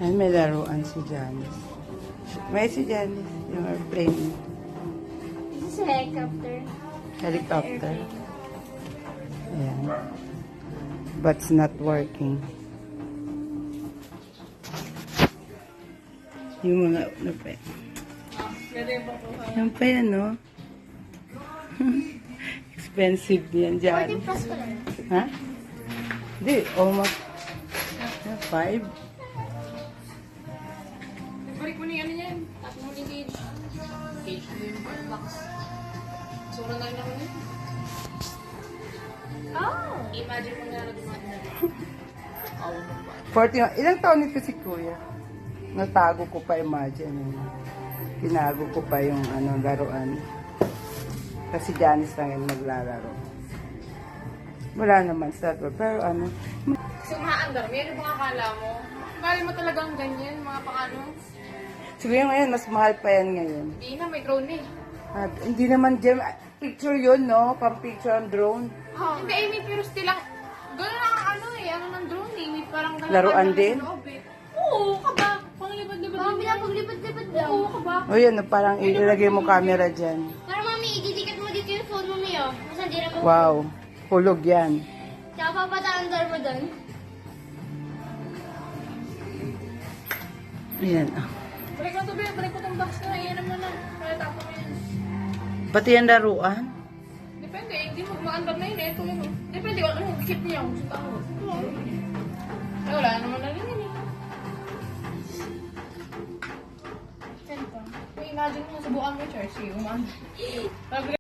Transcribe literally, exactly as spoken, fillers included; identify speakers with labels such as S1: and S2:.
S1: Ayan, may laruan si Janice. May si Janice, yung airplane.
S2: This is a helicopter.
S1: Helicopter. Ayan. But it's not working. Yung mga, ano pa yan? Yan pa yan, no? Expensive yan dyan.
S2: fourteen plus ko lang.
S1: Ha? Hindi, almost five.
S3: Balik mo na yung ano yan. Tapos mo yung cage. Cage mo yung part box. Sobrang dami na ko yun.
S2: Oh!
S3: Imagine mo na na dumaan na. Awa mo ba?
S1: forty, ilang taon nito si Kuya? Natago ko pa, imagine. Tinago ko pa yung ano, laruan. Kasi Janice lang yung naglalaro. Wala naman sa to. Pero ano,
S3: Kasi umaandar mo, yan yung mga akala mo. Bali mo talagang ganyan, mga pangano.
S1: siguro ngayon, mas mahal pa yan ngayon.
S3: Hindi na, may drone eh.
S1: At, hindi naman, Jem, picture yun, no? Pang picture ang drone.
S3: Hindi, I mean, pero still lang, gano'n lang ang ano eh, ano ng drone eh. May parang
S1: Laruan
S3: lang
S1: din?
S3: sa loob eh. Oo, kaba. Panglipad-lipad
S2: Mami,
S3: lang.
S2: pinapaglipad-lipad lang.
S3: Oo, kaba.
S1: O yun, no, parang ilagay mo camera dyan.
S2: Pero mami, ididikat mo dito yung phone mo niyo. Kasi hindi na mo.
S1: Wow, hulog yan.
S2: Tsaka papataandar mo doon.
S1: Ayan.
S3: Balik mo to, Bea. Balik mo tong box na. Iyan naman na. Kaya tapo mo yan.
S1: Pati yan laruan.
S3: Depende, hindi mo maandar na yun eh. Ito yun. Depende, ano, keep niya. Gusto tao. Eh, wala naman na rin yun eh.
S2: Saan pa?
S3: Imagine mo, subukan mo yung Chelsea. Umaandar.